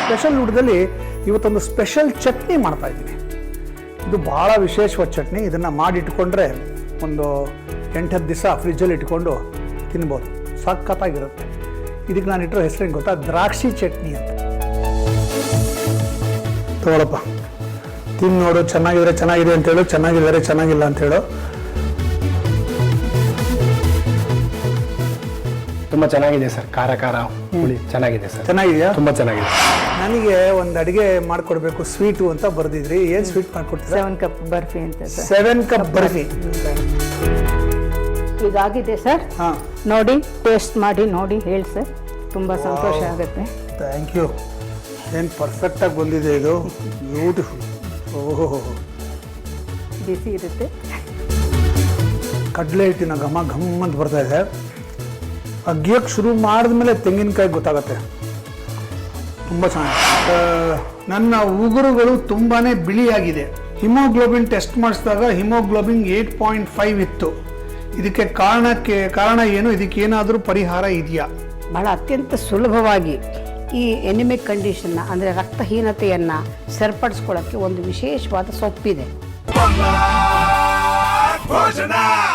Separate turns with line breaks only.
Special ಊಟದಲ್ಲಿ ಇವತ್ತೊಂದು special chutney ಮಾಡ್ತಾ ಇದ್ದೀನಿ. ಇದು ಭಾಳ ವಿಶೇಷವಾದ ಚಟ್ನಿ. ಇದನ್ನು ಮಾಡಿಟ್ಕೊಂಡ್ರೆ ಒಂದು 8-10 ದಿವಸ ಫ್ರಿಜ್ಜಲ್ಲಿ ಇಟ್ಕೊಂಡು ತಿನ್ಬೋದು, ಸಖತ್ತಾಗಿರುತ್ತೆ. ಇದಕ್ಕೆ ನಾನು ಇಟ್ಟಿರೋ ಹೆಸರೇನು ಗೊತ್ತಾ? ದ್ರಾಕ್ಷಿ ಚಟ್ನಿ ಅಂತ. ತಗೊಳಪ್ಪ, ತಿಂದು ನೋಡು, ಚೆನ್ನಾಗಿದ್ರೆ ಚೆನ್ನಾಗಿದೆ ಅಂತೇಳು, ಚೆನ್ನಾಗಿದ್ದಾರೆ ಚೆನ್ನಾಗಿಲ್ಲ ಅಂತೇಳು.
ತುಂಬ ಚೆನ್ನಾಗಿದೆ ಸರ್, ಖಾರ ಖಾರ ಹುಳಿ ಚೆನ್ನಾಗಿದೆ ಸರ್.
ಚೆನ್ನಾಗಿದೆಯಾ?
ತುಂಬ ಚೆನ್ನಾಗಿದೆ.
ನನಗೆ ಒಂದು ಅಡುಗೆ ಮಾಡಿಕೊಡ್ಬೇಕು ಸ್ವೀಟು ಅಂತ ಬರೆದಿದ್ರಿ. ಏನು ಸ್ವೀಟ್ ಮಾಡಿಕೊಡ್ತೀರಾ?
7 ಕಪ್ ಬರ್ಫಿ ಅಂತ ಸರ್.
7 ಕಪ್ ಬರ್ಫಿ.
ಈಗಾಗಿದೆ ಸರ್.
ಹಾಂ,
ನೋಡಿ, ಟೇಸ್ಟ್ ಮಾಡಿ ನೋಡಿ ಹೇಳಿ ಸರ್, ತುಂಬ ಸಂತೋಷ ಆಗುತ್ತೆ.
Thank you. ಏನು ಪರ್ಫೆಕ್ಟಾಗಿ ಬಂದಿದೆ ಇದು, ಬ್ಯೂಟಿಫುಲ್. ಓಹೋ,
ಬಿಸಿ ಇರುತ್ತೆ.
ಕಡಲೆ ಹಿಟ್ಟಿನ ಘಮ ಘಮ್ ಅಂತ ಬರ್ತಾ ಇದೆ. ಅಗ್ಯಕ್ಕೆ ಶುರು ಮಾಡಿದ್ಮೇಲೆ ತೆಂಗಿನಕಾಯಿ ಗೊತ್ತಾಗತ್ತೆ. ತುಂಬ ಚೆನ್ನಾಗಿದೆ. ನನ್ನ ಉಗುರುಗಳು ತುಂಬಾ ಬಿಳಿಯಾಗಿದೆ. ಹಿಮೋಗ್ಲೋಬಿನ್ ಟೆಸ್ಟ್ ಮಾಡಿಸಿದಾಗ ಹಿಮೋಗ್ಲೋಬಿನ್ 8.5 ಇತ್ತು. ಇದಕ್ಕೆ ಕಾರಣ ಏನು? ಇದಕ್ಕೆ ಏನಾದರೂ ಪರಿಹಾರ ಇದೆಯಾ?
ಬಹಳ ಅತ್ಯಂತ ಸುಲಭವಾಗಿ ಈ ಎನಿಮಿಕ್ ಕಂಡೀಷನ್ನ ಅಂದರೆ ರಕ್ತಹೀನತೆಯನ್ನು ಸರಿಪಡಿಸ್ಕೊಳ್ಳೋಕ್ಕೆ ಒಂದು ವಿಶೇಷವಾದ ಸೊಪ್ಪಿದೆ.